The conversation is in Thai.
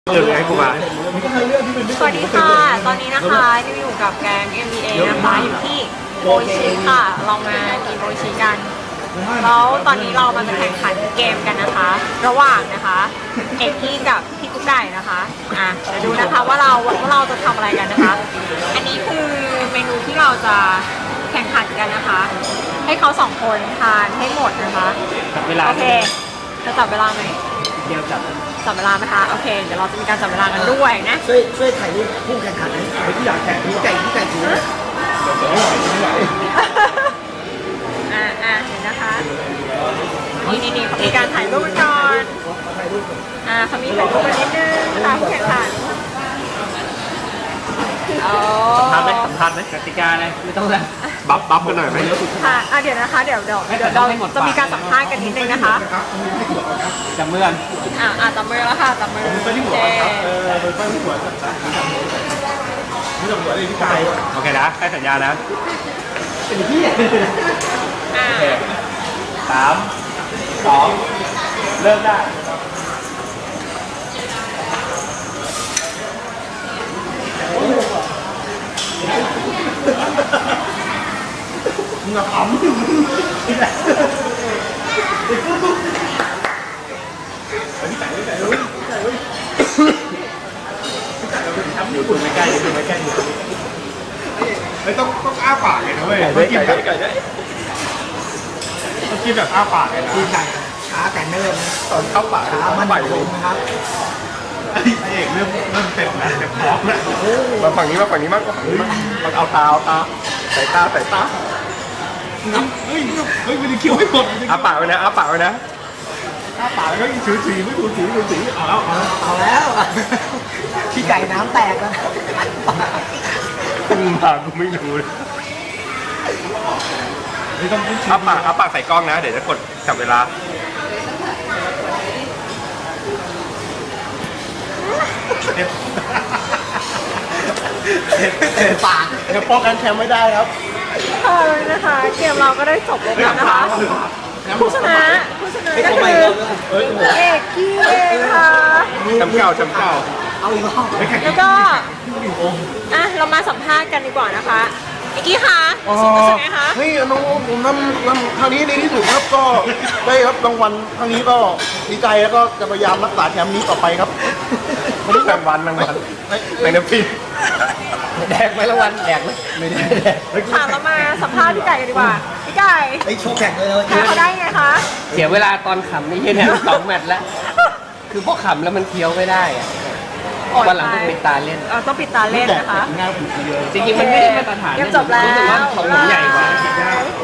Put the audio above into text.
เรื่องให้กูมาสวัสดีค่ะ ตอนนี้นะคะนิวอยู่กับแกง MBA นะคะอยู่ที่โมชิค่ะ เรามากินโมชิกัน แล้วตอนนี้เรามาจะแข่งขันเกมกันนะคะ ระหว่างนะคะเอกกี้กับพี่กุ๊กไก่นะคะเดี๋ยวดูนะคะว่าเราจะทำอะไรกันนะคะ อันนี้คือเมนูที่เราจะแข่งขันกันนะคะ ให้เขาสองคนทานให้หมดนะคะจับเวลาโอเค จะจับเวลาไหมเดียวจับจับเวลาไหมคะโอเคเดี๋ยวเราจะมีการจับเวลากันด้วยนะช่วยถ่ายรูปผู้แข่งขันนะที่อยากแข่งที่ไก่ถือเห็นนะคะนี่เขามีการถ่ายรูปกันก่อนเขามีถ่ายรูปกันนิดนึงนะคะผู้แข่งขันทำไหมสำคัญไหมกติกาอะไรไม่ต้องแล้วบัฟกันหน่อยไหมค่ะเดี๋ยวนะคะเดี๋ยวเราจะมีการสัมภาษณ์กันนิดนึงนะคะจับมือกันจับมือแล้วค่ะจับมือเจ๊โอเคนะให้สัญญานะเป็นที่ 3 2 เริ่มได้มึงอะขำอยู่ไม่ใกล้อยู่ไม่ใกล้ไม่ต้องอ้าปากเลยนะเว้ยต้องกินแบบต้องกินแบบอ้าปากเลยนะที่ไก่ขาไก่เนิ่มนะตอนเข้าปากขามันคงนะครับไอ้เอกเริ่มเต็มนะเต็มพร้อมแล้วมาฝั่งนี้มากกว่ามันเอาตาใส่ตาเฮ้ยมันจะเคี้ยวไม่หมดอ้าปากไว้นะอ้าปากแล้วถือสีไม่ถูสีเอาแล้วที่ไก่น้ำแตกแล้วมากูไม่รู้เลยอ้าปากใส่กล้องนะเดี๋ยวจะกดจับเวลาปากเดี๋ยวป้องกันแชมป์ไม่ได้ครับนะคะเกมเราก็ได้จบลงแล้วนะคะผู้ชนะก็คือเอกกี้เองค่ะจำเก่าเอาอีกรอบแล้วก็เรามาสัมภาษณ์กันดีกว่านะคะเอกกี้คะรู้สึกไงคะเฮ้ยน้องผมทำครั้งนี้ดีที่สุดครับก็ได้รับรางวัลครั้งนี้ก็ดีใจแล้วก็จะพยายามรักษาแชมป์นี้ต่อไปครับไม่ได้รางวัลแมงน้ำพริกแดกไหมละวันแดกไหมไม่ได้แดกเรามาสัมภาษณ์พี่ไก่กันดีกว่าพี่ไก่ไอ้โชว์แข่งเลยแพ้เขาได้ไงคะเสียเวลาตอนขำนี่เนี่ย2 แมตช์แล้วคือพวกขำแล้วมันเคี้ยวไม่ได้อะวันหลังต้องปิดตาเล่นต้องปิดตาเล่นนะคะจริงๆมันไม่ได้มาตรฐานเกมจบแล้วรู้สึกว่าของผมใหญ่กว่า